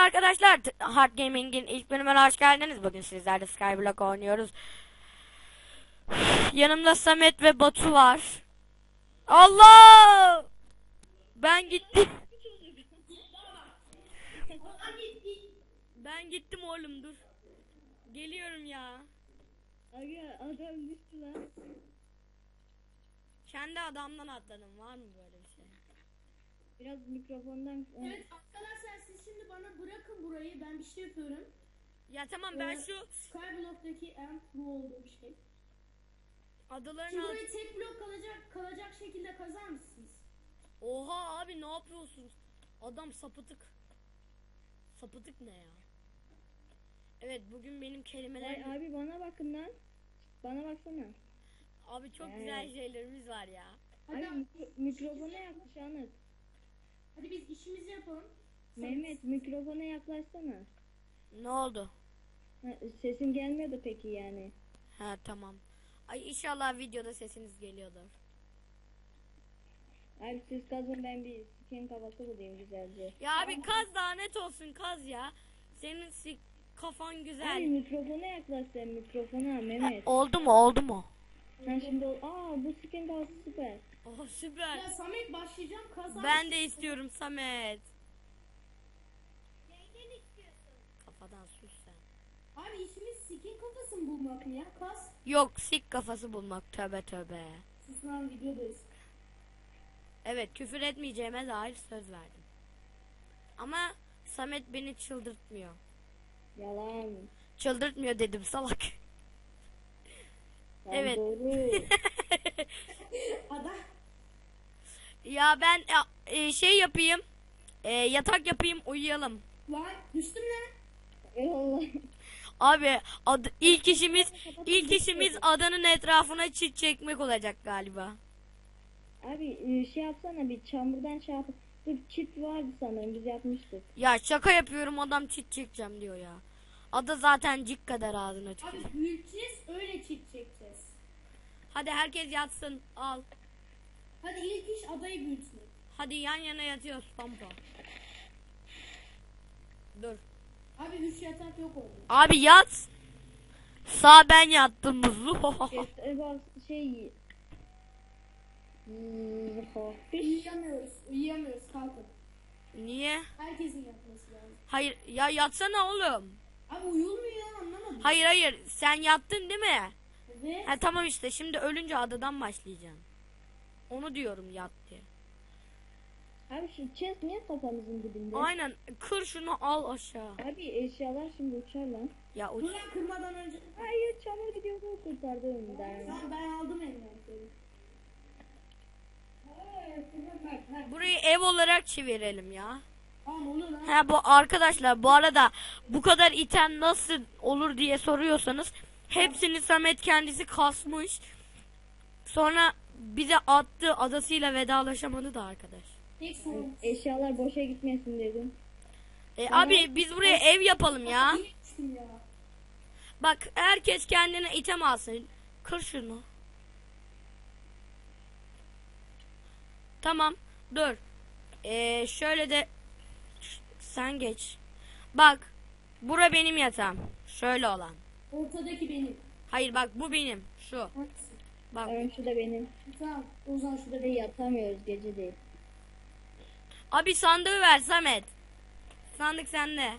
arkadaşlar, Hard Gaming'in ilk bölümüne hoş geldiniz. Bugün sizlerle Skyblock oynuyoruz. Yanımda Samet ve Batu var. Allah! Ben gittim. Ben gittim oğlum, dur. Geliyorum ya. Aga adam düştü lan. Kendi adamdan atladım. Var mı böyle bir şey? Biraz mikrofondan... Evet arkadaşlar, siz şimdi bana bırakın burayı, ben bir şey yapıyorum. Ya tamam, ben şu Skyblock'taki en pro olduğum şey. adaların Şimdi alt... burayı tek blok kalacak şekilde kazar mısınız? Oha abi, ne yapıyorsun? Adam sapıtık. Sapıtık ne ya? Evet, bugün benim kelimelerim... Ay abi bana bakın lan. Bana baksana. Abi çok güzel şeylerimiz var ya. Hadi, Abi mikrofona yaklaş Anıt. hadi biz işimizi yapalım. Mehmet mikrofona yaklaşsana. Ne oldu? Ha, sesin gelmiyordu peki yani. Ha tamam. Ay inşallah videoda sesiniz geliyordur. Abi siz kazın, ben bir skin kafası bulayım güzelce. Ya abi kaz, daha net olsun, kaz ya. Senin kafan Abi güzel. mikrofona yaklaş sen, mikrofona Mehmet. Oldu mu, oldu mu? Ha şimdi bu skin kafası süper. Oh süper. Ya Samet, başlayacağım kazar. Ben de istiyorum Samet. Kafadan sus sen. Abi işimiz skin kafasını bulmak mı ya? Kaz. Yok, sik kafası bulmak, tövbe tövbe. Sus lan, videodayız. Evet, küfür etmeyeceğime dair söz verdim. Ama Samet beni çıldırtmıyor. Yalan. Çıldırtmıyor dedim, salak. Lan Evet. Doğru. Ada. Ya ben şey yapayım. Yatak yapayım, uyuyalım. Lan düştüm lan. Eyvallah. Abi ilk işimiz adanın etrafına çit çekmek olacak galiba. Abi şey yapsana, bir çamurdan şey yap. Dur, çit vardı sanırım, biz yapmıştık. Ya şaka yapıyorum, adam çit çekeceğim diyor ya. Ada zaten cik kadar ağzına tükürüyor. Abi büyüteceğiz, öyle çift çekeceğiz. Hadi herkes yatsın, al. Hadi ilk iş adayı büyütmek. Hadi yan yana yatıyoruz pampa. Dur. Abi 3 yatak yok oldu. Abi yat. Sağ ben yattım muzlu. Bak şey... Uyuyamıyoruz, kalkın. Niye? Herkesin yapması lazım. Hayır ya, yatsana oğlum. Abi uyulmuyor ya, anlamadım. Hayır sen yattın değil mi? Evet. Ha tamam, işte şimdi ölünce adadan başlayacağım. Onu diyorum, yat diye. Abi şu chest niye kafamızın dibinde? Aynen, kır şunu, al aşağı. Abi eşyalar şimdi uçar lan. Ya uç. Dur lan, kırmadan önce. Hayır, çamur gidiyor, bu kurtardı önümden. Tamam, ben aldım envanteri. Burayı ev olarak çevirelim ya. Tamam, olur lan. Ha bu arkadaşlar, bu arada bu kadar item nasıl olur diye soruyorsanız, hepsini Samet kendisi kasmış. Sonra bize attı, adasıyla vedalaşamadı da arkadaş. Tek sorun. Eşyalar boşa gitmesin dedim. Abi biz buraya ev yapalım ya. İyi düştüm ya. Bak, herkes kendine item alsın. Kır şunu. Tamam, dur. Şöyle de sen geç. Bak, bura benim yatağım. Şöyle olan. Ortadaki benim. Hayır bak, bu benim. Şu. Hangisi? Bak. Tamam, şu da benim. Tamam, o zaman şurada Ve benim. yatamıyoruz, gece değil. Abi sandığı ver Samet. Sandık sende.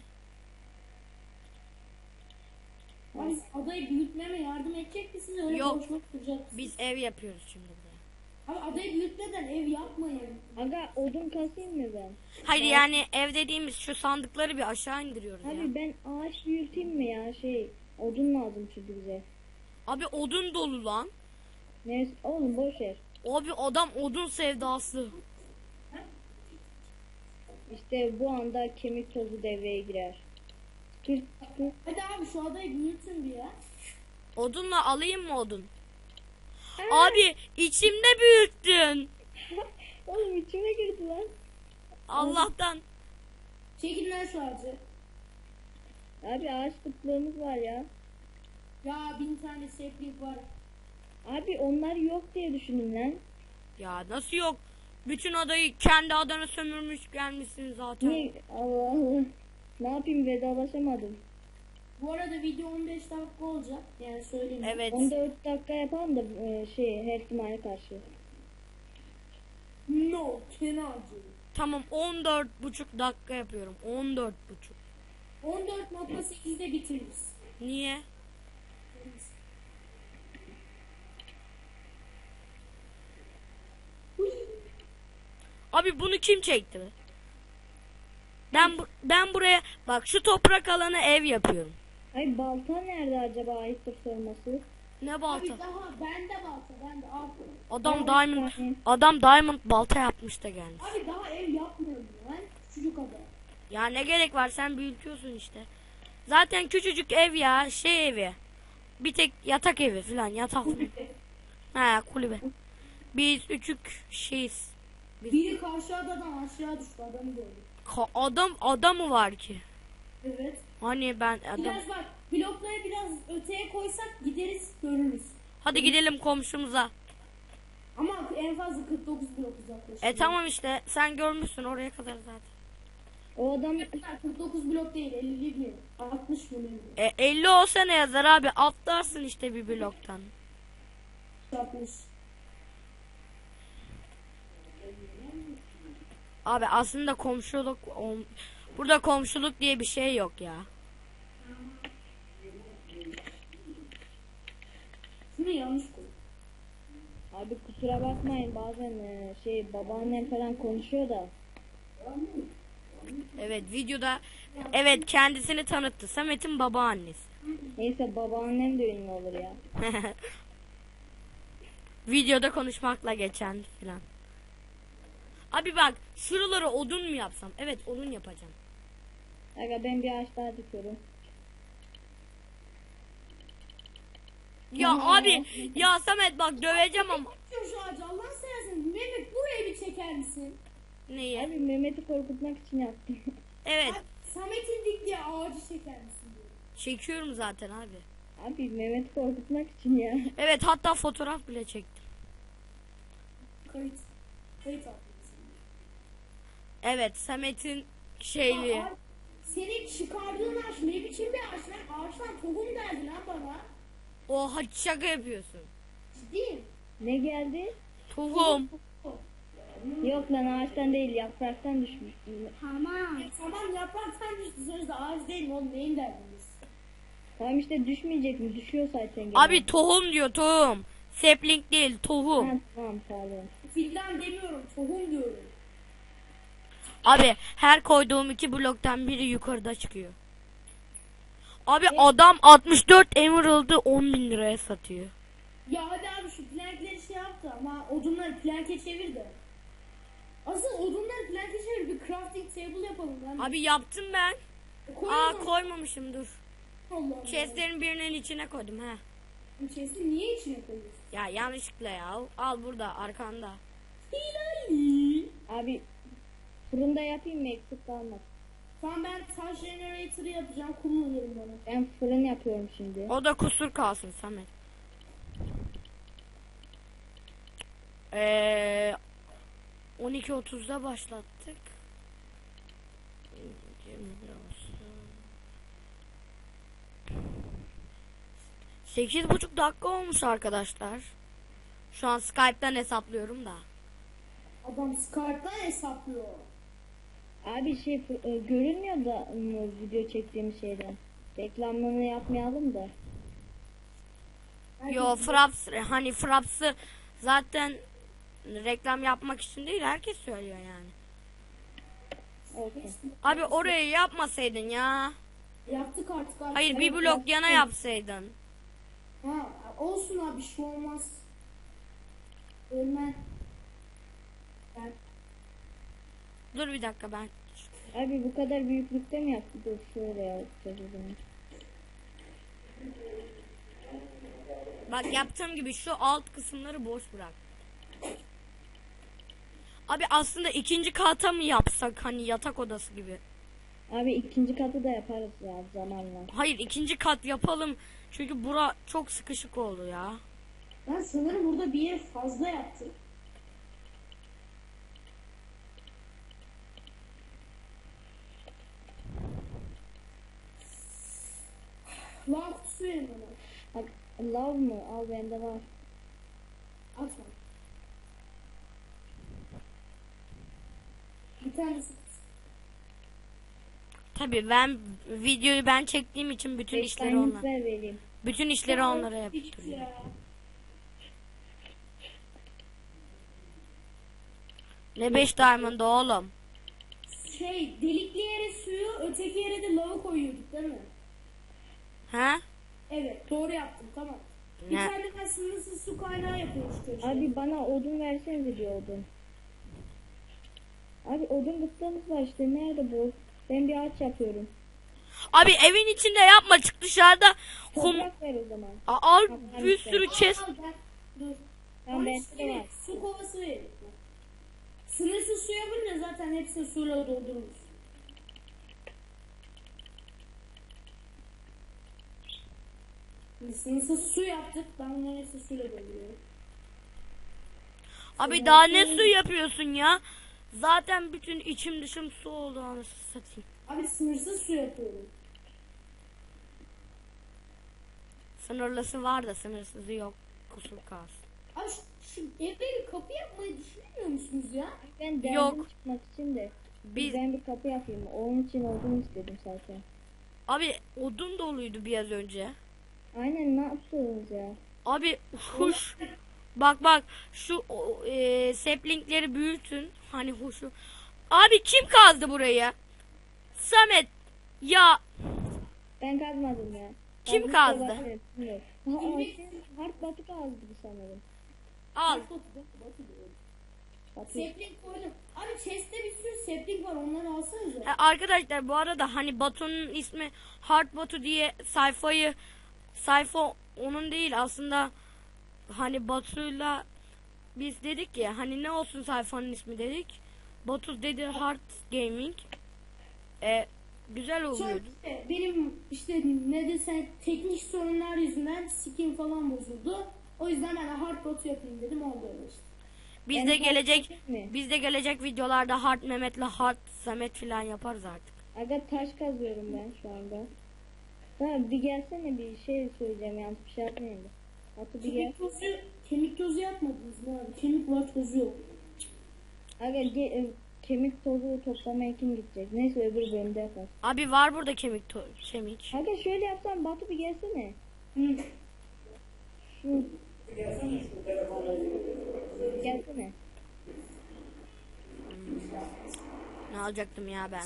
Abi adayı büyütmeme yardım edecek misiniz? Öyle Yok. boş boş duracaksınız. Biz ev yapıyoruz şimdi buraya. Abi adayı büyütmeden ev yapmayın. Aga odun kasayım mı ben? Hayır yani ev dediğimiz şu sandıkları bir aşağı indiriyoruz ya. Abi ben ağaç büyüteyim mi ya, odun lazım çünkü bize. Abi odun dolu lan. Neyse oğlum, boş ver. Abi adam odun sevdası. İşte bu anda kemik tozu devreye girer. Dur. Hadi abi şu adayı büyütün bir ya. Odunla alayım mı odun? Abi içimde büyüttün. Oğlum içime girdi lan. Allah'tan. Çekin lan şu ağacı. Abi ağaç kıtlığımız var ya. Ya 1000 tane seplik var. Abi onlar yok diye düşünün lan. Ya nasıl yok? Bütün adayı kendi adana sömürmüş gelmişsin zaten. Niye? Allah Allah. Ne yapayım, vedalaşamadım. Bu arada video 15 dakika olacak. Yani söyleyeyim. Evet. 14 dakika yapalım da her ihtimale karşı. No, cannot do. Tamam 14,5 dakika yapıyorum. 14,5. 14.8'de bitiririz. Niye? Abi bunu kim çekti be? Ben buraya bak şu toprak alana ev yapıyorum. Ay, balta nerede acaba, ayıptır sorması? Ne Abi balta? daha bende balta, bende al. Adam diamond balta yapmış da gelmiş. Abi daha ev yapmıyorum ben. Küçücük ada. Ya ne gerek var, sen büyütüyorsun işte. Zaten küçücük ev ya, şey evi. Bir tek yatak evi falan, yatak. Ha, kulübe. Biz üçük şeyiz. Biri karşı adadan aşağı düştü, adamı gördüm. Adam mı var ki? Evet. Hani ben adam. Biraz bak, blokları biraz öteye koysak gideriz, görürüz. Hadi gidelim komşumuza. Ama en fazla 49 blok uzaklaşıyor. Tamam işte, sen görmüşsün oraya kadar zaten. O adam 49 blok değil, 50 mi? 60 mı? 50 olsa ne yazar abi, atlarsın işte bir bloktan. 60. Abi aslında komşuluk burada komşuluk diye bir şey yok ya. Şunu yanlış koy. abi kusura bakmayın, bazen babaannem falan konuşuyor da. Evet, videoda evet kendisini tanıttı. Samet'in babaannesi. Neyse, babaannem de ünlü olur ya. Videoda konuşmakla geçen filan. Abi bak, şuraları odun mu yapsam? Evet, odun yapacağım. Aga, ben bir ağaç daha dikiyorum. Ya abi, ya Samet bak döveceğim ama. Şu ağacı Allah'ını seversen Mehmet, buraya bir çeker misin? Neyi? Abi, Mehmet'i korkutmak için yaptım. Evet, Samet'in diktiği ağacı çeker misin diyor. çekiyorum zaten abi. Abi, Mehmet'i korkutmak için ya. Evet, hatta fotoğraf bile çektim. Kayıt. Kayıt at. Evet, Samet'in şeyliği. Senin çıkardığın ağaç ne biçim bir ağaç lan? Ağaçtan tohum geldi lan bana. Oha, şaka yapıyorsun. Ciddiyim. Ne geldi? Tohum. Yok lan, ağaçtan değil, yapraktan düşmüş. Tamam yapraktan düştü, sözde ağaç değil mi oğlum, neyin derdiniz? Tamam işte, düşmeyecek mi? Düşüyor zaten. Gene. Abi tohum diyor, tohum. Sapling değil, tohum. Ha, tamam, pardon. Filden demiyorum, tohum diyorum. Abi her koyduğum 2 bloktan biri yukarıda çıkıyor. Abi adam 64 emerald'ı 10.000 liraya satıyor. Ya hadi abi şu plankleri şey yaptı ama odunları planke çevir de. Asıl odunları planke çevir, bir crafting table yapalım lan. Abi yaptım ben. Koyalım. Koymamışım, dur. Allah Allah. Chestlerin birinin içine koydum ha. Bu chest'i niye içine koyuyorsun? Ya yanlışlıkla ya. Al burada arkanda. Hilali. Abi, fırında yapayım mı, eksik kalmaz. Tamam, ben taş generator'ı yapacağım, kullanırım bana. Ben fırın yapıyorum şimdi. O da kusur kalsın Samet. 12.30'da başlattık. 8,5 dakika olmuş arkadaşlar. Şu an Skype'ten hesaplıyorum da. Adam Skype'dan hesaplıyor. Abi görünmüyor da video çektiğim şeyden. Reklamlarını yapmayalım da. Yo, Fraps'ı zaten reklam yapmak için değil, herkes söylüyor yani. Okay. Abi orayı yapmasaydın ya. Yaptık artık. Hayır, bir blok yana yapsaydın. Ha, olsun abi, bir şey olmaz. Ölme. Ben Dur bir dakika ben. Abi, bu kadar büyüklükte mi yaptık? Dur, şöyle yapacağız o zaman. Bak yaptığım gibi şu alt kısımları boş bırak. Abi aslında ikinci kata mı yapsak, hani yatak odası gibi? Abi, ikinci katı da yaparız ya zamanla. Hayır, ikinci kat yapalım. Çünkü bura çok sıkışık oldu ya. Ben sanırım burada bir yer fazla yaptım. Lan kutusu verin bana. Bak, love mı? Al bende var. Atma. Bir tanesi. Tabii ben videoyu ben çektiğim için bütün işleri onlar. Ver vereyim. Bütün işleri onlara yaptırıyorum. Ya. Ne 5 diamond oğlum? Delikli yere suyu, öteki yere de lava koyuyorduk değil mi? Ha? Evet, doğru yaptım, tamam. Bir Ne? tane de sınırsız su kaynağı yapıyoruz köşeye. Abi bana odun versenize bir odun. Abi odun bıktığımız var işte. Nerede bu? Ben bir ağaç yapıyorum. Abi evin içinde yapma, çık dışarıda. Toprak ver o zaman. Al bir sürü chest. Al, gel. Dur. Tamam, Ama bende de var. su kovası verin. Sınırsız su yapınca zaten hepsini suyla doldururuz. Şimdi sınırsız su yaptık. Ben bunların hepsini suyla dolduruyorum. Abi daha ne su yapıyorsun ya? Zaten bütün içim dışım su oldu, anasını satayım. Abi sınırsız su yapıyorum. Sınırlısı var da sınırsızı yok. Kusur kalsın. Abi şu eve bir kapı yapmayı düşünmüyor musunuz ya? Ben derdim Yok. çıkmak için de. Biz Ben bir kapı yapayım. Onun için odun istedim zaten. abi odun doluydu biraz önce. Aynen, ne yaptınız ya? Abi huş. Bak şu saplingleri büyütün. Hani huşu. Abi kim kazdı burayı? Samet. Ya Ben kazmadım ya. Kim Ben kazdı? bu sefer bilmiyorum. Hard batı kazdı sanırım. al. Batı. Sapling koydum. Abi chest'te bir sürü sapling var, onları alsanıza. Arkadaşlar bu arada hani Batu'nun ismi Hard Batu diye sayfa onun değil aslında, hani Batu'yla biz dedik ya hani ne olsun sayfanın ismi dedik. Batu dedi Hard Gaming. Güzel Sonra oluyordu. işte benim işte ne desen teknik sorunlar yüzünden skin falan bozuldu. O yüzden ben de hard bot yapayım dedim, oldu öyle işte. Biz de gelecek mi? videolarda Hard Mehmet'le Hard Samet filan yaparız artık. Aga taş kazıyorum ben şu anda. Ha, bir gelsene, bir şey söyleyeceğim, yanlış bir şey yapmayayım da. Atı bir gel. Kemik tozu yapmadınız mı abi? Kemik var, tozu yok. Aga kemik tozu toplamaya kim gidecek? Neyse öbür bölümde yapar. Abi var burada kemik. Aga şöyle yapsam, Batu bir gelsene. Hı. Şu. Gelsene. Ne alacaktım ya ben?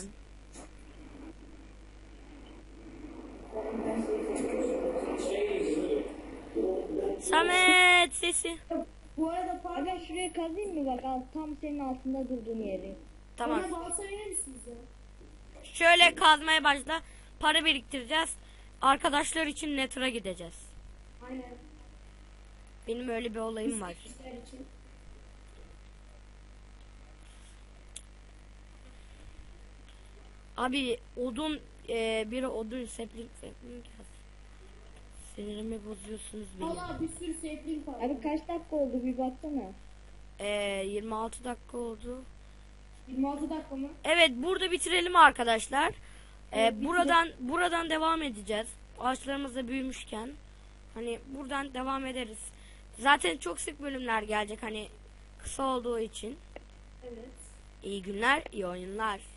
Samet sesi. Bu arada pardon. Aga şuraya kazayım mı, bak al, tam senin altında durduğun yeri. Tamam. Bana balta verir misiniz ya? Şöyle kazmaya başla. Para biriktireceğiz. Arkadaşlar için Nether'a gideceğiz. Aynen. Benim öyle bir olayım var. İşler için. Abi odun biri odun sapling yaz. Sinirimi bozuyorsunuz benim. Valla bir sürü sapling var. Abi kaç dakika oldu bir baksana. 26 dakika oldu. 26 dakika mı? Evet, burada bitirelim arkadaşlar. Evet, Buradan devam edeceğiz. Ağaçlarımız da büyümüşken hani buradan devam ederiz. Zaten çok sık bölümler gelecek hani kısa olduğu için. Evet. İyi günler, iyi oyunlar.